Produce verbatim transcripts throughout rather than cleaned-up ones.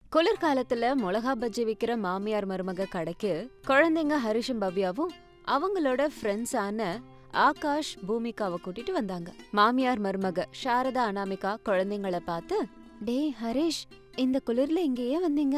குளிர்காலத்துல மிளகா பஜ்ஜி விக்கிற மாமியார் மருமக கடைக்கு குழந்தைங்க ஹரிஷும் பவ்யாவும் அவங்களோட ஃப்ரெண்ட்ஸான ஆகாஷ் பூமிகாவை கூட்டிட்டு வந்தாங்க. மாமியார் மருமக சாரதா அனாமிகா குழந்தைங்கள பார்த்து, டேய் ஹரிஷ், இந்த குளிர்ல இங்கேயே வந்தீங்க?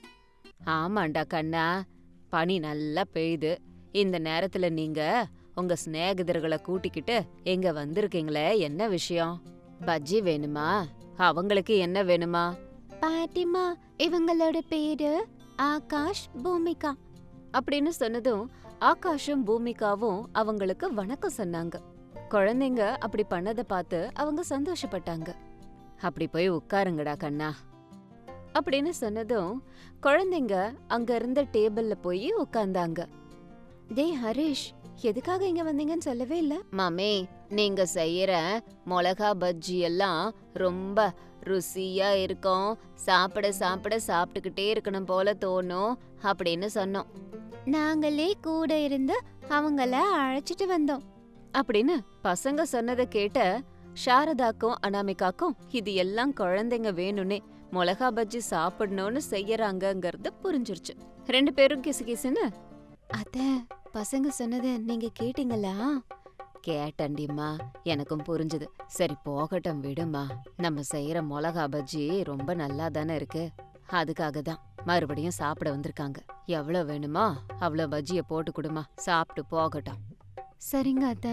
ஆமாண்டா கண்ணா, பனி நல்லா பெய்யுது. இந்த நேரத்துல நீங்க உங்க சிநேகிதர்களை கூட்டிக்கிட்டு எங்க வந்திருக்கீங்களே, என்ன விஷயம்? பஜ்ஜி வேணுமா? அவங்களுக்கு என்ன வேணுமா? பாட்டிமா, இவங்களோட பேரு ஆகாஷ் பூமிகா அப்படின்னு சொன்னதும் ஆகாஷும் பூமிகாவும் அவங்களுக்கு வணக்கம் சொன்னாங்க. குழந்தைங்க அப்படி பண்ணத பார்த்து அவங்க சந்தோஷப்பட்டாங்க. அப்படி போய் உட்காருங்கடா கண்ணா அப்படின்னு சொன்னதும் குழந்தைங்க அங்க இருந்த டேபிள்ல போய் உட்கார்ந்தாங்க. டே ஹரிஷ், எதுக்காக இங்க வந்தீங்கன்னு சொல்லவே இல்ல? மாமே, நீங்க செய்யற மிளகா பஜ்ஜி எல்லாம் ரொம்ப ருசியா இருக்கும், சாப்பிட சாப்பிட சாப்பிட்டுக்கிட்டே இருக்கணும் போல தோணும் அப்படின்னு சொன்னோம். நாங்களே கூட இருந்து அவங்கள அழைச்சிட்டு வந்தோம் அப்படின்னு பசங்க சொன்னதை கேட்ட சாரதாக்கும் அனாமிகாக்கும் இது எல்லாம் குழந்தைங்க வேணும்னே மிளகா பஜ்ஜி சாப்பிடணும்னு செய்யறாங்கங்கிறது புரிஞ்சிருச்சு. ரெண்டு பேரும் கிசு கிசுன்னு, அத்த, பசங்க சொன்னதை நீங்க கேட்டீங்களா? கேட்டண்டிம்மா, எனக்கும் புரிஞ்சுது. சரி போகட்டும் விடுமா, நம்ம செய்யற மிளகா பஜ்ஜி ரொம்ப நல்லா தானே இருக்கு, அதுக்காக தான் மறுபடியும் சாப்பிட வந்திருக்காங்க. எவ்வளவு வேணுமா அவ்வளவு பஜ்ஜிய போட்டு கொடுமா, சாப்பிட்டு போகட்டும். சரிங்க அத்த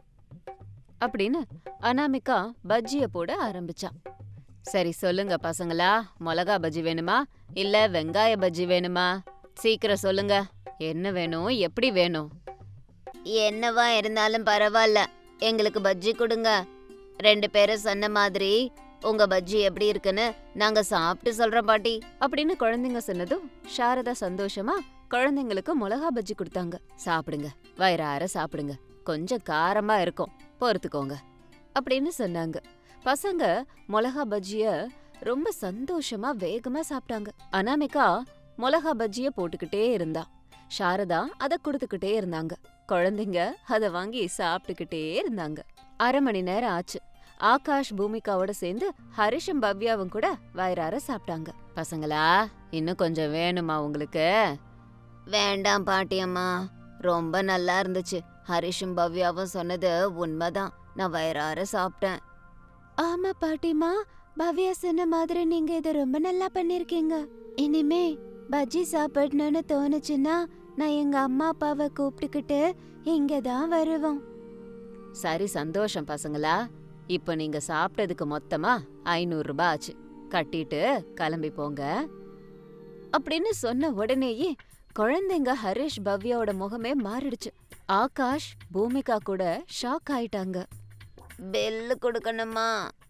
அப்படின்னு அனாமிகா பஜ்ஜிய போட ஆரம்பிச்சா. சரி சொல்லுங்க பசங்களா, மிளகா பஜ்ஜி வேணுமா இல்ல வெங்காய பஜ்ஜி வேணுமா? சீக்கிரம் சொல்லுங்க, என்ன வேணும், எப்படி வேணும்? என்னவா இருந்தாலும் பரவாயில்ல, எங்களுக்கு பஜ்ஜி கொடுங்க. ரெண்டு பேரும் சொன்ன மாதிரி உங்க பஜ்ஜி எப்படி இருக்குன்னு நாங்க சாப்பிட்டு சொல்றோம் பாட்டி அப்படின்னு குழந்தைங்க சொன்னதும் சாரதா சந்தோஷமா குழந்தைங்களுக்கு மிளகா பஜ்ஜி கொடுத்தாங்க. சாப்பிடுங்க, வயிறார சாப்பிடுங்க, கொஞ்சம் காரமா இருக்கும், பொறுத்துக்கோங்க அப்படின்னு சொன்னாங்க. பசங்க மிளகா பஜ்ஜிய ரொம்ப சந்தோஷமா வேகமா சாப்பிட்டாங்க. அனாமிகா மிளகா பஜ்ஜிய போட்டுக்கிட்டே இருந்தா, சாரதா அத கொடுத்துக்கிட்டே இருந்தாங்க. குழந்தைங்க அத வாங்கி சாப்பிட்டுக்கிட்டே இருந்தாங்க. அரை மணி நேரம் ஆச்சு. ஆகாஷ் பூமிகாவோட சேர்ந்து ஹரிஷும் பவ்யாவும் கூட வயிறார சாப்பிட்டாங்க. பசங்களா, இன்னும் கொஞ்சம் வேணுமா உங்களுக்கு? வேண்டாம் பாட்டியம்மா, ரொம்ப நல்லா இருந்துச்சு. ஹரிஷும் பவ்யாவும் சொன்னது உண்மைதான், நான் வயிறார சாப்பிட்டேன். ஆமா பாட்டிமா, பவ்யா சொன்ன மாதிரி நீங்க இதை ரொம்ப நல்லா பண்ணிருக்கீங்க. இனிமே பஜ்ஜி சாப்பிடணும்னு தோணுச்சுன்னா நான் எங்க அம்மா அப்பாவை கூப்பிட்டுக்கிட்டு இங்கதான் வருவோம். சரி, சந்தோஷம் பசங்களா. இப்ப நீங்க சாப்பிட்டதுக்கு மொத்தமா ஐநூறு ரூபாய் ஆச்சு, கட்டிட்டு கிளம்பி போங்க அப்படின்னு சொன்ன உடனேயே குழந்தைங்க ஹரிஷ் பவ்யாவோட முகமே மாறிடுச்சு. ஆகாஷ் பூமிகா கூட ஷாக் ஆயிட்டாங்க. பெல்லு கொடுக்கணுமா?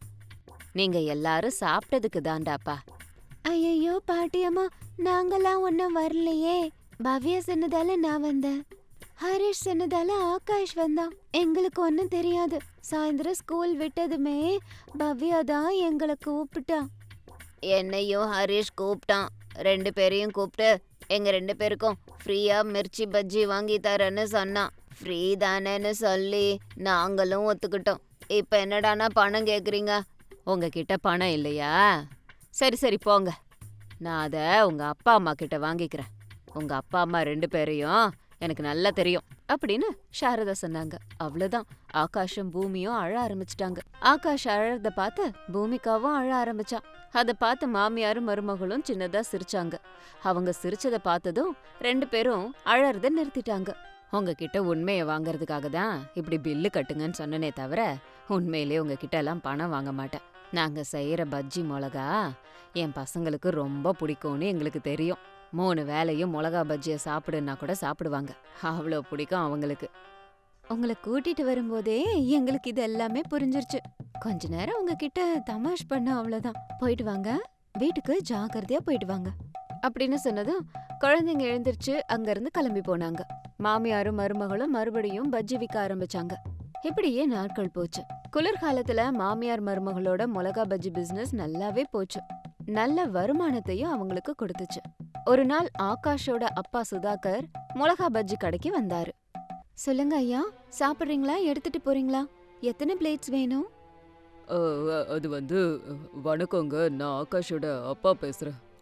நீங்க எல்லாரும் சாப்பிட்டதுக்கு தாண்டாப்பா. ஐயோ பாட்டியம்மா, நாங்கெல்லாம் ஒன்னும் வரலையே. பவ்யா சொன்னதால நான் வந்தேன், ஹரிஷ் சொன்னதால ஆகாஷ் வந்தான். எங்களுக்கு ஒன்னும் தெரியாது. சாயந்தரம் ஸ்கூல் விட்டதுமே பவ்யா தான் எங்களை கூப்பிட்டான். என்னையும் ஹரிஷ் கூப்பிட்டான். ரெண்டு பேரையும் கூப்பிட்டு எங்க ரெண்டு பேருக்கும் ஃப்ரீயா மிர்ச்சி பஜ்ஜி வாங்கி தரேன்னு சொன்னான். ஃப்ரீ தானேன்னு சொல்லி நாங்களும் ஒத்துக்கிட்டோம். இப்ப என்னடானா பணம் கேக்குறீங்க? உங்ககிட்ட பணம் இல்லையா? சரி சரி போங்க, நான் அத உங்க அப்பா அம்மா கிட்ட வாங்கிக்கிறேன். உங்க அப்பா அம்மா ரெண்டு பேரையும் எனக்கு நல்லா தெரியும் அப்படின்னு சாரதா சொன்னாங்க. அவ்வளவுதான், ஆகாஷும் பூமியும் அழ ஆரம்பிச்சிட்டாங்க. ஆகாஷ் அழறத பார்த்து பூமிகாவும் அழ ஆரம்பிச்சா. அத பார்த்து மாமியாரும் மருமகளும் சின்னதா சிரிச்சாங்க. அவங்க சிரிச்சத பார்த்ததும் ரெண்டு பேரும் அழறத நிறுத்திட்டாங்க. உங்ககிட்ட உண்மையை வாங்கறதுக்காக தான் இப்படி பில்லு கட்டுங்கன்னு சொன்னனே தவிர உண்மையிலே உங்ககிட்ட எல்லாம் பணம் வாங்க மாட்டேன். நாங்க செய்யற பஜ்ஜி மிளகா என் பசங்களுக்கு ரொம்ப பிடிக்கும்னு எங்களுக்கு தெரியும். மூணு வேலையும் மிளகா பஜ்ஜிய சாப்பிடுன்னா கூட சாப்பிடுவாங்க, அவ்வளோ பிடிக்கும் அவங்களுக்கு. உங்களை கூட்டிட்டு வரும்போதே எங்களுக்கு இது எல்லாமே புரிஞ்சிருச்சு. கொஞ்ச நேரம் உங்ககிட்ட தமாஷ் பண்ண, அவ்வளவுதான். போயிட்டு வாங்க, வீட்டுக்கு ஜாக்கிரதையா போயிட்டு வாங்க அப்படின்னு சொன்னதும் குழந்தைங்க எழுந்திருச்சு அங்க இருந்து கிளம்பி போனாங்க. மாமியாரும் மருமகளும் மறுபடியும் பஜ்ஜி விற்க ஆரம்பிச்சாங்க. இப்படியே நாட்கள் போச்சு. குளிர்காலத்துல மாமியார் மருமகளோட மிளகா பஜ்ஜி பிசினஸ் நல்லாவே போச்சு. நல்ல வருமானத்தையும் அவங்களுக்கு கொடுத்துச்சு. ஒரு நாள் ஆகாஷோட அப்பா சுதாகர் மிளகா பஜ்ஜி கடைக்கு வந்தாரு. சொல்லுங்க ஐயா, சாப்பிடுறீங்களா, எடுத்துட்டு போறீங்களா? எத்தனை பிளேட்ஸ் வேணும்? அது வந்து, வணக்கங்க, நான் ஆகாஷோட அப்பா பேசுறேன்.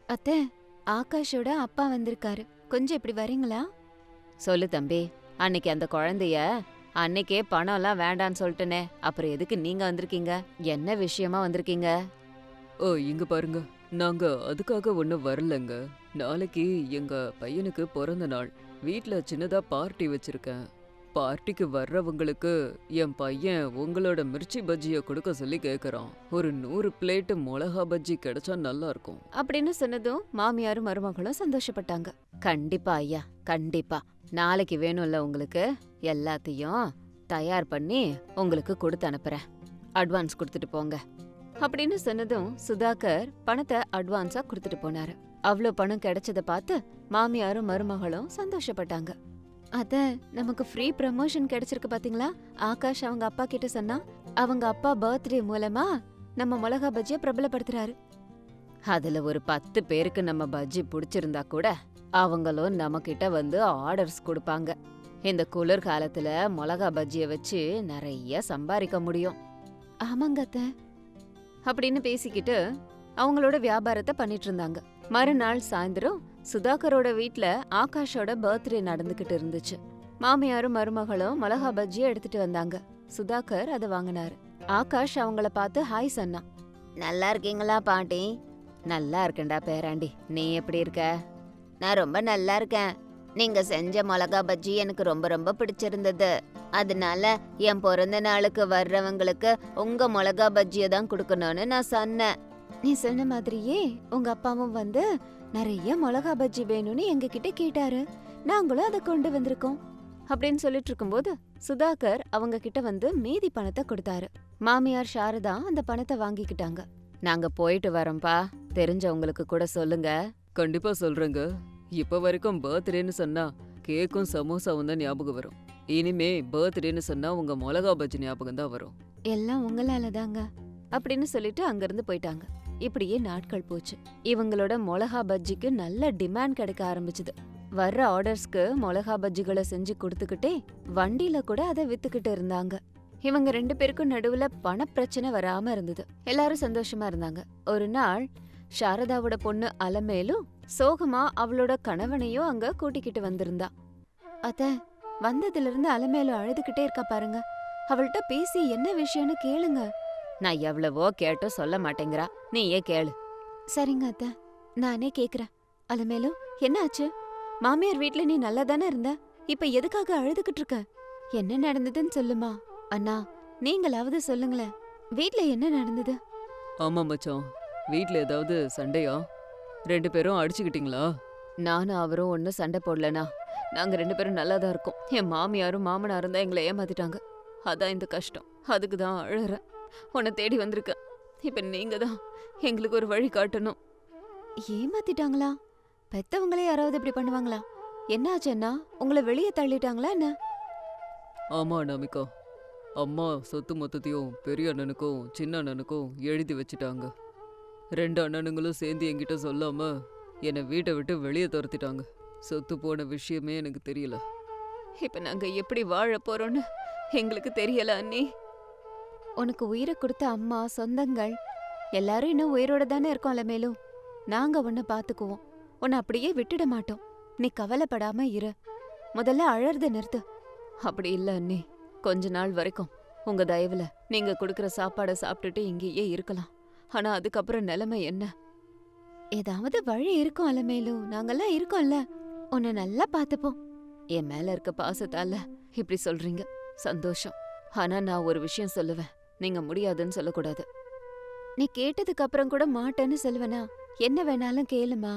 அத்தை, ஆகாஷோட அப்பா வந்திருக்காரு, கொஞ்சம் இப்படி வரீங்களா? சொல்லு தம்பி. அன்னைக்கு அந்த குழந்தைய அன்னைக்கே பணம்லாம் வேண்டான்னு சொல்லிட்டனே, அப்புறம் எதுக்கு நீங்க வந்திருக்கீங்க? என்ன விஷயமா வந்திருக்கீங்க? ஓ இங்க பாருங்க, நாங்க அதுக்காக ஒன்றும் வரலங்க. நாளைக்கு எங்க பையனுக்கு பிறந்த நாள். வீட்ல சின்னதா பார்ட்டி வச்சிருக்கேன். பார்ட்டிக்கு வர்றவங்களுக்கு என் பையன் உங்களோட மிர்ச்சி பஜ்ஜிய கொடுக்க சொல்லி கேக்குறான். ஒரு நூறு பிளேட் மிளகா பஜ்ஜி கிடைச்சா நல்லா இருக்கும். அப்படின்னு சொன்னதும் மாமியாரும் மருமகளும் சந்தோஷப்பட்டாங்க. கண்டிப்பா ஐயா, கண்டிப்பா. நாளைக்கு வேணும்ல உங்களுக்கு, எல்லாத்தையும் தயார் பண்ணி உங்களுக்கு கொடுத்து அனுப்புறேன். அட்வான்ஸ் கொடுத்துட்டு போங்க. அப்படின்னு சொன்னதும் சுதாகர் பணத்தை அட்வான்ஸா கொடுத்துட்டு போனாரு. அவ்ளோ பணம் கிடைச்சத பார்த்து மாமியாரும் மருமகளும் சந்தோஷப்பட்டாங்க. அத நமக்கு ஃப்ரீ ப்ரமோஷன் கிடைச்சிருக்கு பாத்தீங்களா? ஆகாஷ் அவங்க அப்பா கிட்ட சொன்னா அவங்க அப்பா பர்த்டே மூலமா நம்ம மிளகா பஜ்ஜிய பிரபலப்படுத்துறாரு. அதுல ஒரு பத்து பேருக்கு நம்ம பஜ்ஜி பிடிச்சிருந்தா கூட அவங்களும் நம்ம கிட்ட வந்து ஆர்டர்ஸ் கொடுப்பாங்க. இந்த குளிர் காலத்துல மிளகா பஜ்ஜிய வச்சு நிறைய சம்பாதிக்க முடியும். ஆமாங்க அத்தை. அப்படின்னு பேசிக்கிட்டு அவங்களோட வியாபாரத்தை பண்ணிட்டு இருந்தாங்க. மறுநாள் சாயந்தரம் சுதாகரோட வீட்ல ஆகாஷோட பர்த்டே நடந்துகிட்டு இருந்துச்சு. மாமியாரும் மருமகளும் மிளகா பஜ்ஜிய எடுத்துட்டு வந்தாங்க. சுதாகர் அதை வாங்கினாரு. ஆகாஷ் அவங்கள பார்த்து ஹாய் சொன்னா. நல்லா இருக்கீங்களா பாட்டி? நல்லா இருக்கேன்டா பேராண்டி, நீ எப்படி இருக்க? நான் ரொம்ப நல்லா இருக்கேன். நீங்க செஞ்ச மிளகா பஜ்ஜி எனக்கு ரொம்ப ரொம்ப பிடிச்சிருந்தது. அதனால என் பிறந்த நாளுக்கு வர்றவங்களுக்கு உங்க மிளகா பஜ்ஜிய தான் கொடுக்கணும்னு நான் சொன்னேன். நீ சொன்ன மாதிரியே உங்க அப்பாவும் வந்து நிறைய மிளகா பஜ்ஜி வேணும்னு எங்க கிட்ட கேட்டாரு. நாங்களும் அதை கொண்டு வந்திருக்கோம். அப்படின்னு சொல்லிட்டு இருக்கும்போது சுதாகர் அவங்க கிட்ட வந்து மீதி பணத்தை கொடுத்தாரு. மாமியார் சாரதா அந்த பணத்தை வாங்கிக்கிட்டாங்க. நாங்க போயிட்டு வரோம்பா, தெரிஞ்சவங்களுக்கு கூட சொல்லுங்க. கண்டிப்பா சொல்றேங்க. இப்ப வரைக்கும் பர்த்டேன்னு சொன்னா கேக்கும் சமோசாவும் தான் ஞாபகம் வரும். இனிமே பர்த்டேன்னு சொன்னா உங்க மிளகா பஜ்ஜி ஞாபகம் தான் வரும். எல்லாம் உங்களால தாங்க அப்படின்னு சொல்லிட்டு அங்கிருந்து போயிட்டாங்க. இப்படியே நாட்கள் போச்சு. இவங்களோட மிளகா பஜ்ஜிக்கு நல்ல டிமாண்ட் கிடைக்க ஆரம்பிச்சுது. வர்ற ஆர்டர்ஸ்க்கு மிளகா பஜ்ஜிகளை செஞ்சு கொடுத்துக்கிட்டே வண்டியில கூட அதை வித்துக்கிட்டு இருந்தாங்க. இவங்க ரெண்டு பேருக்கும் நடுவுல பண பிரச்சனை வராம இருந்தது. எல்லாரும் சந்தோஷமா இருந்தாங்க. ஒரு நாள் சாரதாவோட பொண்ணு அலமேலும் சோகமா அவளோட கணவனையும் அங்க கூட்டிக்கிட்டு வந்திருந்தா. அத்த, வந்ததுல இருந்து அலமேலும் அழுதுகிட்டே இருக்கா பாருங்க. அவள்கிட்ட பேசி என்ன விஷயம்னு கேளுங்க. நான் எவ்வளவோ கேட்டும் சொல்ல மாட்டேங்கிறா, நீயே கேளு. சரிங்க அத்த, நானே கேக்குறேன். அலமேலும், என்ன ஆச்சு? மாமியார் வீட்ல நீ நல்லா தானே இருந்த, இப்ப எதுக்காக அழுதுகிட்டு இருக்க? என்ன நடந்ததுன்னு சொல்லுமா. அண்ணா, நீங்களாவது சொல்லுங்களேன், வீட்ல என்ன நடந்தது? ஆமா மச்சான், வீட்ல ஏதாவது சண்டையா? ரெண்டு பேரும் அடிச்சுக்கிட்டீங்களா? நானும் அவரும் ஒன்னும் சண்டை போடலனா. நாங்க ரெண்டு பேரும் நல்லா தான் இருக்கோம். என் மாமியாரும் மாமனாரும் தான் எங்களை ஏமாத்திட்டாங்க. அதான் இந்த கஷ்டம். அதுக்கு தான் அழறேன். உன்னை தேடி வந்திருக்க. இப்ப நீங்க தான் எங்களுக்கு ஒரு வழி காட்டணும். ஏமாத்திட்டாங்களா? பெத்தவங்களே யாராவது இப்படி பண்ணுவாங்களா? என்னாச்சு அண்ணா? உங்களை வெளியே தள்ளிட்டாங்களா என்ன? ஆமா நமிகா, அம்மா சொத்து மொத்தத்தையும் பெரிய அண்ணனுக்கும் சின்ன அண்ணனுக்கும் எழுதி வச்சுட்டாங்க. ரெண்டு அண்ணனுங்களும் சேர்ந்து என்கிட்ட சொல்லாம என்னை வீட்டை விட்டு வெளியே துரத்திட்டாங்க. சொத்து போன விஷயமே எனக்கு தெரியல. இப்ப நாங்க எப்படி வாழ போறோம்னு எங்களுக்கு தெரியல அண்ணி. உனக்கு உயிரை கொடுத்த அம்மா, சொந்தங்கள் எல்லாரும் இன்னும் உயிரோட தானே இருக்கோம்ல. மேலும் நாங்க உன்னை பாத்துக்குவோம். உன்னை அப்படியே விட்டுட மாட்டோம். நீ கவலைப்படாம இரு. முதல்ல அழறத நிறுத்து. அப்படி இல்ல அண்ணி, கொஞ்ச நாள் வரைக்கும் உங்க தயவுல நீங்க கொடுக்கற சாப்பாடை சாப்பிட்டுட்டு இங்கேயே இருக்கலாம். ஆனா அதுக்கப்புறம் நிலைமை என்ன? ஏதாவது வழி இருக்கும் அலமேலும், நாங்கெல்லாம் இருக்கோம்ல. உன்னை நல்லா பாத்துப்போம். என் மேல இருக்க பாசத்தால இப்படி சொல்றீங்க, சந்தோஷம். ஆனா நான் ஒரு விஷயம் சொல்லுவேன், நீங்க முடியாதுன்னு சொல்லக்கூடாது. நீ கேட்டதுக்கு அப்புறம் கூட மாட்டேன்னு சொல்லுவேனா? என்ன வேணாலும் கேளுமா.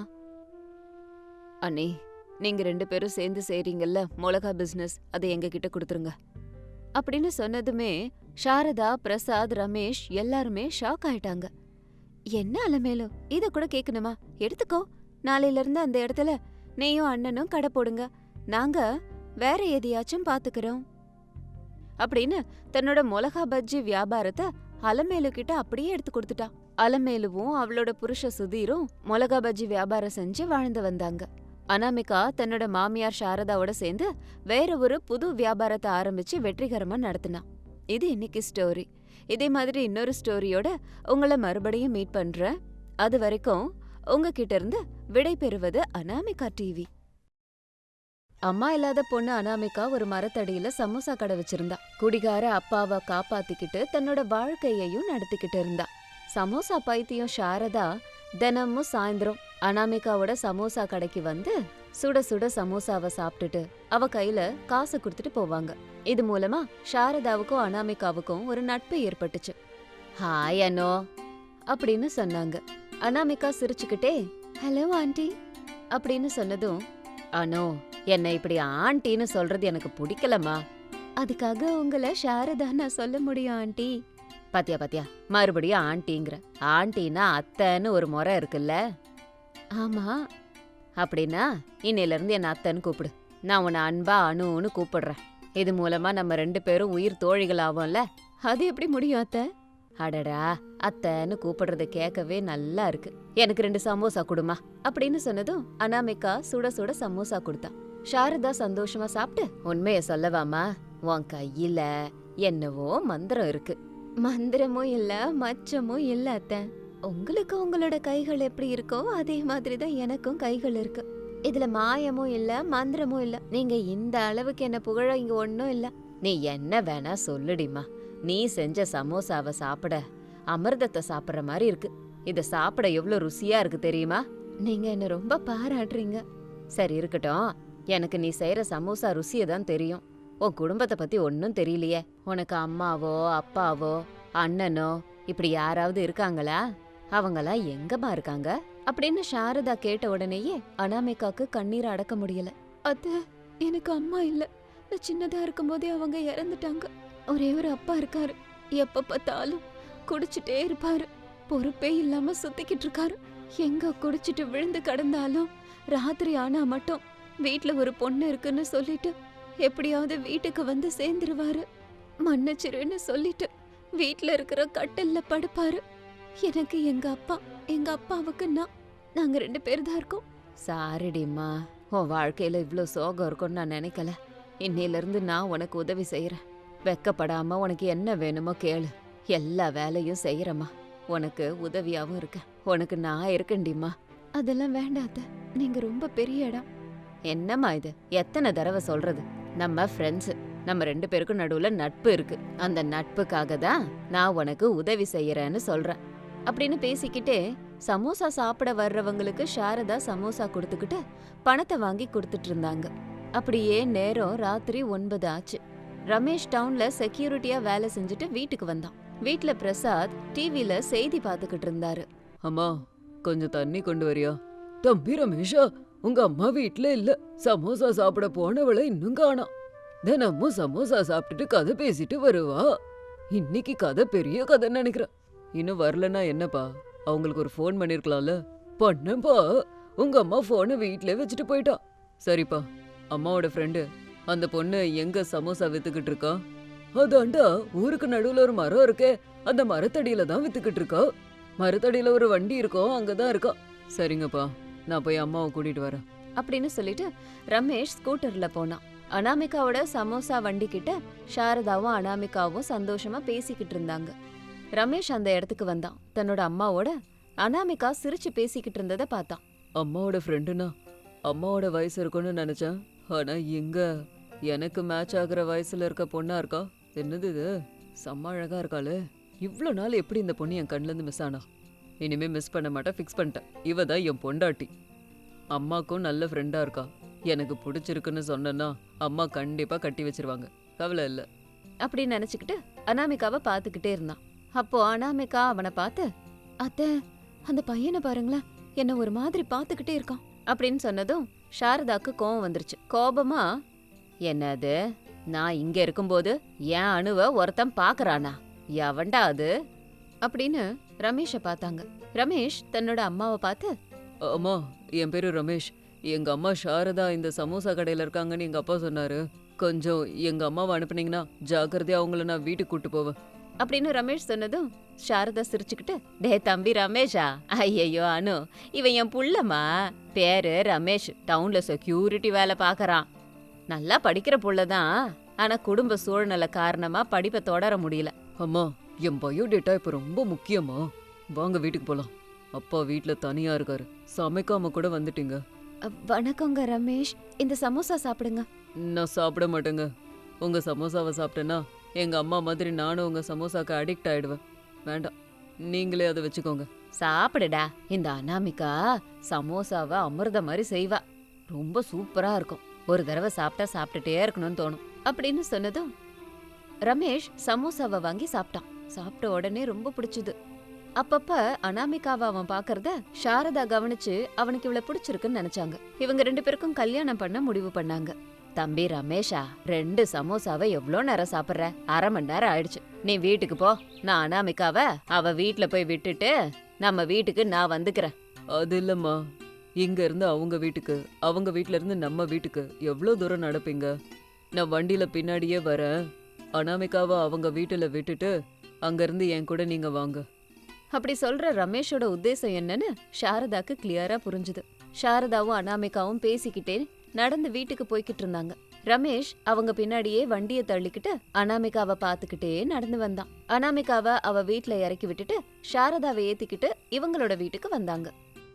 அண்ணே, நீங்க ரெண்டு பேரும் சேர்ந்து செய்றீங்கல்ல மிளகா பிசினஸ், அதை எங்க கிட்ட கொடுத்துருங்க அப்படின்னு சொன்னதுமே சாரதா, பிரசாத், ரமேஷ் எல்லாருமே ஷாக் ஆயிட்டாங்க. என்ன அலமேலும், இத கூட கேட்கணுமா? எடுத்துக்கோ. நாளையில இருந்து அந்த இடத்துல நீயும் அண்ணனும் கடை போடுங்க. நாங்க வேற எதையாச்சும் பாத்துக்கிறோம் அப்படின்னு தன்னோட மிளகா பஜ்ஜி வியாபாரத்தை அலமேலு கிட்ட அப்படியே எடுத்து கொடுத்துட்டா. அலமேலுவும் அவளோட புருஷ சுதீரும் மிளகா பஜ்ஜி வியாபாரம் செஞ்சு வாழ்ந்து வந்தாங்க. அனாமிகா தன்னோட மாமியார் சாரதாவோட சேர்ந்து வேற ஒரு புது வியாபாரத்தை ஆரம்பிச்சு வெற்றிகரமா நடத்தினா. இது இன்னைக்கு ஸ்டோரி. இதே மாதிரி இன்னொரு ஸ்டோரியோட உங்களை மறுபடியும் மீட் பண்றேன். அது வரைக்கும் உங்ககிட்ட இருந்து விடை பெறுவது அனாமிகா டிவி. அம்மா இல்லாத பொண்ணு அனாமிகா ஒரு மரத்தடியில சமோசா கடை வச்சிருந்தா. குடிகார அப்பாவை காப்பாத்திக்கிட்டு தன்னோட வாழ்க்கையையும் நடத்திக்கிட்டு இருந்தா. சமோசா பைத்தியம் சாரதா தினமும் சாயந்தரம் அனாமிகாவோட சமோசா கடைக்கு வந்து சுட சுட சமோசாவை சாப்பிட்டுட்டு அவ கையில காசு கொடுத்துட்டு போவாங்க. இது மூலமா சாரதாவுக்கும் அனாமிகாவுக்கும் ஒரு நட்பு ஏற்பட்டுச்சு. ஹாய் அனோ அப்படின்னு சொன்னாங்க. அனாமிகா சிரிச்சுக்கிட்டே ஹலோ ஆண்டி அப்படின்னு சொன்னதும், அனோ என்ன இப்படி ஆண்டின்னு சொல்றது எனக்கு பிடிக்கலம்மா. அதுக்காக உங்களை சாரதா நான் சொல்ல முடியும் ஆண்டி. பாத்தியா பாத்தியா மறுபடியும் ஆண்டிங்கிற. ஆண்டினா அத்தைன்னு ஒரு முறை இருக்குல்ல. ஆமா. அப்படின்னா இன்னையில இருந்து என்ன அத்தைன்னு கூப்பிடு. நான் உன்னை அன்பா அணுன்னு கூப்பிடுறேன். இது மூலமா நம்ம ரெண்டு பேரும் உயிர் தோழிகள் ஆவோம்ல. அது எப்படி முடியும் அத்தை? அடடா அத்தைன்னு கூப்பிடுறத கேட்கவே நல்லா இருக்கு. எனக்கு ரெண்டு சமோசா கொடுமா அப்படின்னு சொன்னதும் அனாமிகா சுட சுட சமோசா கொடுத்தா. சாரதா சந்தோஷமா சாப்பிட்டு, உண்மைய சொல்லவாமா, உன் கையில என்னவோ மந்திரம் இருக்கு. மந்திரமும் இல்ல மச்சமும் இல்ல அத்தை. உங்களுக்கு உங்களோட கைகள் எப்படி இருக்கோ அதே மாதிரிதான் எனக்கும் கைகள் இருக்கு. இதுல மாயமும் இல்ல மந்திரமும் இல்ல. நீங்க இந்த அளவுக்கு என்ன புகழ இங்க ஒன்னும் இல்ல. நீ என்ன வேணா சொல்லுடிமா. நீ செஞ்ச சமோசாவை சாப்பிட அமிர்தத்தை சாப்பிடுற மாதிரி இருக்கு. இத சாப்பிட எவ்வளவு ருசியா இருக்கு தெரியுமா? நீங்க என்ன ரொம்ப பாராட்டுறீங்க. சரி இருக்கட்டும், எனக்கு நீ செய்யற சமோசா ருசியை தான் தெரியும். உன் குடும்பத்தை பத்தி ஒன்னும் தெரியலையே. உனக்கு அம்மாவோ அப்பாவோ அண்ணனோ இப்படி யாராவது இருக்காங்களா? அவங்களாம் எங்கம்மா இருக்காங்க அப்படின்னு சாரதா கேட்ட உடனேயே அனாமிகாக்கு கண்ணீரை அடக்க முடியல. அத்த, எனக்கு அம்மா இல்ல. நான் சின்னதா இருக்கும் போதே அவங்க இறந்துட்டாங்க. ஒரே ஒரு அப்பா இருக்காரு. எப்ப பார்த்தாலும் குடிச்சிட்டே இருப்பாரு. பொறுப்பே இல்லாம சுத்திக்கிட்டு இருக்காரு. எங்க குடிச்சிட்டு விழுந்து கிடந்தாலும் ராத்திரி ஆனா மட்டும் வீட்ல ஒரு பொண்ணு இருக்குன்னு சொல்லிட்டு எப்படியாவது வீட்டுக்கு வந்து சேர்ந்துருவாரு. மன்னிச்சிருன்னு சொல்லிட்டு வீட்ல இருக்கிற கட்டில்ல படுப்பாரு. எனக்கு எங்க அப்பா, எங்க அப்பாவுக்கு நான், நாங்க ரெண்டு பேர் தான் இருக்கோம். சாரிடிம்மா, உன் வாழ்க்கையில இவ்ளோ சோகம் இருக்கும்னு நான் நினைக்கல. இன்னையில இருந்து நான் உனக்கு உதவி செய்யறேன். வெக்கப்படாம உனக்கு என்ன வேணுமோ கேளு. எல்லா வேலையும் செய்யறமா. உனக்கு உதவியாவும் இருக்க. உனக்கு நான் இருக்கேன்டிம்மா. அதெல்லாம் வேண்டாத்த, நீங்க ரொம்ப பெரிய இடம். என்னம்மா இது, எத்தனை தடவை சொல்றது? நம்ம ஃப்ரெண்ட்ஸ், நம்ம ரெண்டு பேருக்கும் நடுவுல நட்பு இருக்கு. அந்த நட்புக்காக தான் நான் உனக்கு உதவி செய்யறேன்னு சொல்றேன் அப்படின்னு பேசிக்கிட்டே சமோசா சாப்பிட வர்றவங்களுக்கு சாரதா சமோசா கொடுத்துக்கிட்டு பணத்தை வாங்கி கொடுத்துட்டு இருந்தாங்க. அப்படியே நேரம் ராத்திரி ஒன்பது ஆச்சு. ரமேஷ் டவுன்ல செக்யூரிட்டியா வேலை செஞ்சுட்டு வீட்டுக்கு வந்தான். வீட்ல பிரசாத் டிவில செய்தி பாத்துக்கிட்டு இருந்தாரு. அம்மா கொஞ்சம் தண்ணி கொண்டு வரியா? தம்பி ரமேஷா, உங்க அம்மா வீட்ல இல்ல. சமோசா சாப்பிட போனவளை இன்னும் காணோம். தினமும் சமோசா சாப்பிட்டுட்டு கதை பேசிட்டு வருவா. இன்னைக்கு கதை பெரிய கதைன்னு நினைக்கிறேன். இன்னும் வரலன்னா என்னப்பா, அவங்களுக்கு ஒரு ஃபோன் பண்ணிருக்கலாம்ல. பண்ணப்பா, உங்க அம்மா போனை வீட்ல வச்சுட்டு போயிட்டா. சரிப்பா, அம்மாவோட ஃப்ரெண்டு அந்த பொண்ணு எங்க சமோசா வித்துக்கிட்டு இருக்கா? அதாண்டா ஊருக்கு நடுவுல ஒரு மரம் இருக்கே, அந்த மரத்தடியில தான் வித்துக்கிட்டு இருக்கா. மரத்தடியில ஒரு வண்டி இருக்கும், அங்கதான் இருக்கா. சரிங்கப்பா, நான் போய் அம்மாவை கூட்டிட்டு வரேன் அப்படின்னு சொல்லிட்டு ரமேஷ் ஸ்கூட்டர்ல போனான். அனாமிகாவோட சமோசா வண்டி கிட்ட சாரதாவும் அனாமிகாவும் சந்தோஷமா பேசிக்கிட்டு இருந்தாங்க. ரமேஷ் அந்த இடத்துக்கு வந்தான். தன்னோட அம்மாவோட அனாமிகா சிரிச்சு பேசிக்கிட்டு இருந்ததை பார்த்தான். அம்மாவோட ஃப்ரெண்டுனா அம்மாவோட வயசு இருக்கும்னு நினைச்சேன். ஆனா எங்க எனக்கு மேட்ச் ஆகுற வயசுல இருக்க பொண்ணா இருக்கா. என்னது இது, செம்ம அழகா இருக்காளே. இவ்வளோ நாள் எப்படி இந்த பொண்ணு என் கண்ணுல இருந்து மிஸ் ஆனா? இனிமே மிஸ் பண்ண மாட்டேன், ஃபிக்ஸ் பண்ணிட்டேன். இவ தான் என் பொண்டாட்டி. அம்மாக்கும் நல்ல ஃப்ரெண்டா இருக்கா. எனக்கு பிடிச்சிருக்குன்னு சொன்னேன்னா அம்மா கண்டிப்பா கட்டி வச்சிருவாங்க, கவலை இல்லை அப்படின்னு நினைச்சுக்கிட்டு அனாமிகாவை பார்த்துக்கிட்டே இருந்தான். அப்போ அனாமிகா அவனை பார்த்து, அத்தை அந்த பையனை பாருங்களேன், என்ன ஒரு மாதிரி பார்த்துக்கிட்டே இருக்கான் அப்படின்னு சொன்னதும் சாரதாக்கு கோபம் வந்துருச்சு. கோபமா, என்னது, நான் இங்க இருக்கும்போது என் அணுவை ஒருத்தன் பாக்குறானா? எவன்டா அது அப்படின்னு ரமேஷை பார்த்தாங்க. ரமேஷ் தன்னோட அம்மாவை பார்த்து, அம்மா என் பேரு ரமேஷ். எங்க அம்மா சாரதா இந்த சமோசா கடையில இருக்காங்கன்னு எங்க அப்பா சொன்னாரு. கொஞ்சம் எங்க அம்மாவை அனுப்புனீங்கன்னா ஜாக்கிரதையா அவங்கள நான் வீட்டுக்கு கூட்டு போவேன் அப்படின்னு ரமேஷ் சொன்னதும் சாரதா சிரிச்சுக்கிட்டு, டே தம்பி ரமேஷா, ஐயையோ அனு, இவன் என் புள்ளம்மா. பேரு ரமேஷ், டவுன்ல செக்யூரிட்டி வேலை பாக்கறான். நல்லா படிக்கிற புள்ளதான், ஆனா குடும்ப சூழ்நிலை காரணமா படிப்பை தொடர முடியல. அம்மா என் பயோடேட்டா இப்ப ரொம்ப முக்கியமா, வாங்க வீட்டுக்கு போலாம் அப்பா வீட்ல தனியா இருக்காரு. சமைக்காம கூட வந்துட்டீங்க. அ, வணக்கங்க ரமேஷ், இந்த சமோசா சாப்பிடுங்க. நான் சாப்பிட மாட்டேங்க. உங்க சமோசாவை சாப்பிட்டேன்னா எங்க அம்மா மாதிரி நானும் உங்க சமோசாக்கு அடிக்ட் ஆயிடுவேன். வேண்டாம், நீங்களே அதை வச்சுக்கோங்க. சாப்பிடுடா. இந்த அனாமிகா சமோசாவை அமிர்த மாதிரி செய்வா. ரொம்ப சூப்பரா இருக்கும். ஒரு தடவை சாப்பிட்டா சாப்பிட்டுட்டே இருக்கணும்னு தோணும் அப்படின்னு சொன்னதும் ரமேஷ் சமோசாவை வாங்கி சாப்பிட்டான். சாப்பிட்ட உடனே ரொம்ப பிடிச்சது. அப்பப்ப அனாமிகாவை அவன் பாக்குறத சாரதா கவனிச்சு அவனுக்கு இவ்வளவு பிடிச்சிருக்குன்னு நினைச்சாங்க. இவங்க ரெண்டு பேருக்கும் கல்யாணம் பண்ண முடிவு பண்ணாங்க. தம்பி ரமேஷா, ரெண்டு சமோசாவை எவ்வளோ நேரம் சாப்பிட்ற? அரை மணி நேரம் ஆயிடுச்சு. நீ வீட்டுக்கு போ. நான் அனாமிகாவை அவ வீட்டுல போய் விட்டுட்டு நம்ம வீட்டுக்கு நான் வந்துக்கிறேன். அது இல்லம்மா, இங்க இருந்து அவங்க வீட்டுக்கு, அவங்க வீட்ல இருந்து நம்ம வீட்டுக்கு எவ்வளவு தூரம் நடப்பீங்க? நான் வண்டியில பின்னாடியே வரேன். அனாமிகாவை அவங்க வீட்டுல விட்டுட்டு அங்க இருந்து என் கூட நீங்க வாங்க. அப்படி சொல்ற ரமேஷோட உத்தேசம் என்னன்னு சாரதாக்கு கிளியரா புரிஞ்சுது. சாரதாவும் அனாமிகாவும் பேசிக்கிட்டே நடந்து வீட்டுக்கு போய்கிட்டு இருந்தாங்க. ரமேஷ் அவங்க பின்னாடியே வண்டியை தள்ளிக்கிட்டு அனாமிகாவை பாத்துக்கிட்டே நடந்து வந்தான். அனாமிகாவை அவ வீட்டுல இறக்கி விட்டுட்டு சாரதாவை ஏத்திக்கிட்டு இவங்களோட வீட்டுக்கு வந்தாங்க.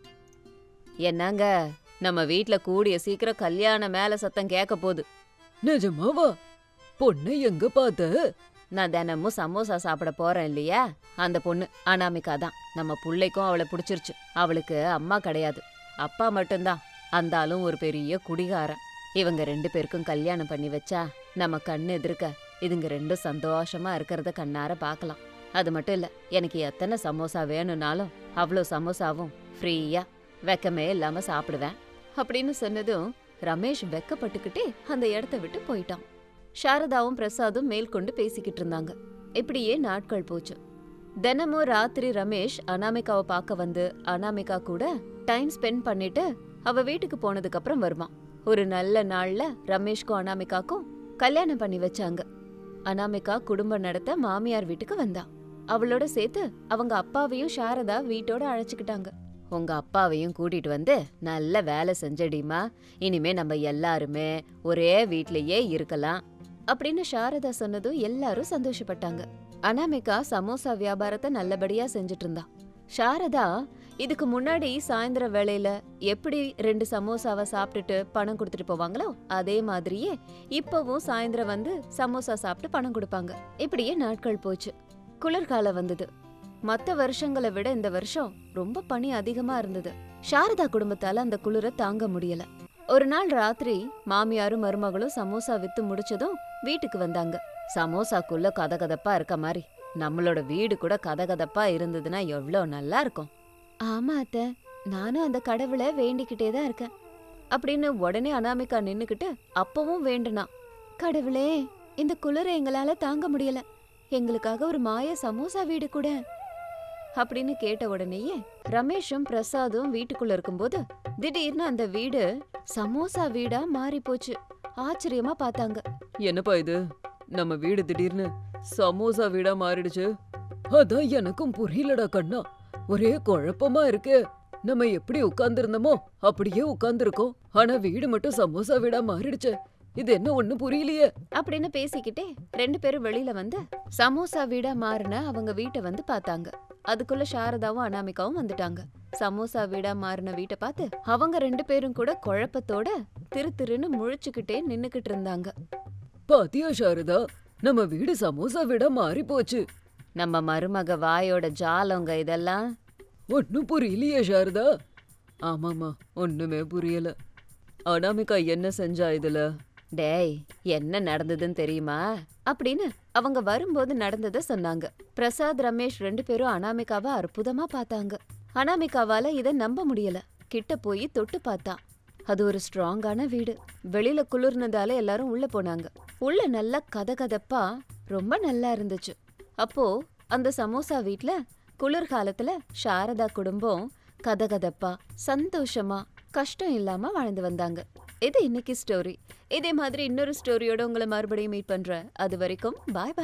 என்னங்க, நம்ம வீட்டுல கூடிய சீக்கிரம் கல்யாண மேல சத்தம் கேட்க போகுது. நிஜமாவா? பொண்ணை எங்க பார்த்த? நான் தினமும் சமோசா சாப்பிட போறேன் இல்லையா, அந்த பொண்ணு அனாமிகா தான். நம்ம புள்ளைக்கும் அவளை பிடிச்சிருச்சு. அவளுக்கு அம்மா கிடையாது, அப்பா மட்டும்தான். அந்த ஆளும் ஒரு பெரிய குடிகாரன். இவங்க ரெண்டு பேருக்கும் கல்யாணம் பண்ணி வச்சா நம்ம கண்ணு எதிர்க்க இதுங்க ரெண்டும் சந்தோஷமா இருக்கிறத கண்ணார பார்க்கலாம். அது மட்டும் இல்ல, எனக்கு எத்தனை சமோசா வேணும்னாலும் அவ்வளோ சமோசாவும் ஃப்ரீயா வெக்கமே இல்லாம சாப்பிடுவேன் அப்படின்னு சொன்னதும் ரமேஷ் வெக்கப்பட்டுக்கிட்டே அந்த இடத்த விட்டு போயிட்டான். சாரதாவும் பிரசாதும் மேற்கொண்டு பேசிக்கிட்டு இருந்தாங்க. இப்படியே நாட்கள் போச்சு. தினமும் ராத்திரி ரமேஷ் அனாமிகாவை பார்க்க வந்து அனாமிகா கூட டைம் ஸ்பெண்ட் பண்ணிட்டு அவ வீட்டுக்கு போனதுக்கு அப்புறம் வருவான். ஒரு நல்ல நாள்ல ரமேஷ்க்கும் அனாமிகாக்கும் கல்யாணம் பண்ணி வச்சாங்க. அனாமிகா குடும்பம் நடத்த மாமியார் வீட்டுக்கு வந்தா. அவளோட சேர்த்து அவங்க அப்பாவையும் சாரதா வீட்டோட அழைச்சுக்கிட்டாங்க. உங்க அப்பாவையும் கூட்டிட்டு வந்து நல்ல வேலை செஞ்சடிமா, இனிமே நம்ம எல்லாருமே ஒரே வீட்லயே இருக்கலாம் அப்படின்னு சாரதா சொன்னதும் எல்லாரும் சந்தோஷப்பட்டாங்க. அனாமிகா சமோசா வியாபாரத்தை நல்லபடியா செஞ்சுட்டு இருந்தா. சாரதா இதுக்கு முன்னாடி சாயந்தர வேளையில எப்படி ரெண்டு சமோசாவை சாப்பிட்டுட்டு பணம் கொடுத்துட்டு போவாங்களோ அதே மாதிரியே இப்பவும் சாயந்தரம் வந்து சமோசா சாப்பிட்டு பணம் கொடுப்பாங்க. இப்படியே நாட்கள் போச்சு. குளிர்காலம் வந்தது. மத்த வருஷங்களை விட இந்த வருஷம் ரொம்ப பனி அதிகமா இருந்தது. சாரதா குடும்பத்தால அந்த குளிர தாங்க முடியல. ஒரு நாள் ராத்திரி மாமியாரும் மருமகளும் சமோசா வித்து முடிச்சதும் வீட்டுக்கு வந்தாங்க. சமோசாக்குள்ள கதகதப்பா இருக்க மாதிரி நம்மளோட வீடு கூட கதகதப்பா இருந்ததுன்னா எவ்வளவு நல்லா இருக்கும். ஆமா அத்தை, நானும் அந்த கடவுளை வேண்டிக்கிட்டே தான் இருக்கேன் அப்படின்னு உடனே அனாமிகா நின்னுக்கிட்டு அப்பவும் வேண்டுனா. கடவுளே, இந்த குளிரை எங்களால தாங்க முடியல, எங்களுக்காக ஒரு மாய சமோசா வீடு கூட அப்படின்னு கேட்ட உடனேயே ரமேஷும் பிரசாதும் வீட்டுக்குள்ள இருக்கும்போது திடீர்னு அந்த வீடு சமோசா வீடா மாறி போச்சு. ஆச்சரியமா பார்த்தாங்க. என்னப்பா இது, நம்ம வீடு திடீர்னு சமோசா வீடா மாறிடுச்சு? அதான் எனக்கும் புரியலடா கண்ணா, ஒரே குழப்பமா இருக்கு. நம்ம எப்படி உட்கார்ந்துருந்தோமோ அப்படியே உட்கார்ந்துருக்கோம், ஆனா வீடு மட்டும் சமோசா வீடா மாறிடுச்சு. இது என்ன ஒண்ணு புரியலையே அப்படின்னு பேசிக்கிட்டே ரெண்டு பேரும் வெளியில வந்து சமோசா வீடா மாறின அவங்க வீட்டை வந்து பார்த்தாங்க. அதுக்குள்ள சாரதாவும் அனாமிகாவும் வந்துட்டாங்க. சமோசா வீடா மாறின வீட்டை பார்த்து அவங்க ரெண்டு பேரும் கூட குழப்பத்தோட திரு திருன்னு முழிச்சுக்கிட்டே நின்னுக்கிட்டு இருந்தாங்க. பாத்தியா சாரதா, நம்ம வீடு சமோசா வீடா மாறி போச்சு. நம்ம மருமக வாயோட ஜாலங்க இதெல்லாம். ஒன்னும் புரியலையே சாரதா. ஆமாமா, ஒண்ணுமே புரியல. அனாமிகா என்ன செஞ்சா இதுல? டேய், என்ன நடந்ததுன்னு தெரியுமா அப்படின்னு அவங்க வரும்போது நடந்ததை சொன்னாங்க. பிரசாத் ரமேஷ் ரெண்டு பேரும் அனாமிகாவை அற்புதமா பார்த்தாங்க. அனாமிகாவால இதை நம்ப முடியல. கிட்ட போய் தொட்டு பார்த்தா அது ஒரு ஸ்ட்ராங்கான வீடு. வெளியில குளிர்னதால எல்லாரும் உள்ள போனாங்க. உள்ள நல்லா கதகதப்பா ரொம்ப நல்லா இருந்துச்சு. அப்போ அந்த சமோசா வீட்ல குளிர்காலத்துல சாரதா குடும்பம் கதகதப்பா சந்தோஷமா கஷ்டம் இல்லாம வாழ்ந்து வந்தாங்க. இது இன்னைக்கு ஸ்டோரி. இதே மாதிரி இன்னொரு ஸ்டோரியோட உங்களை மறுபடியும் மீட் பண்றேன். அது வரைக்கும் பாய் பாய்.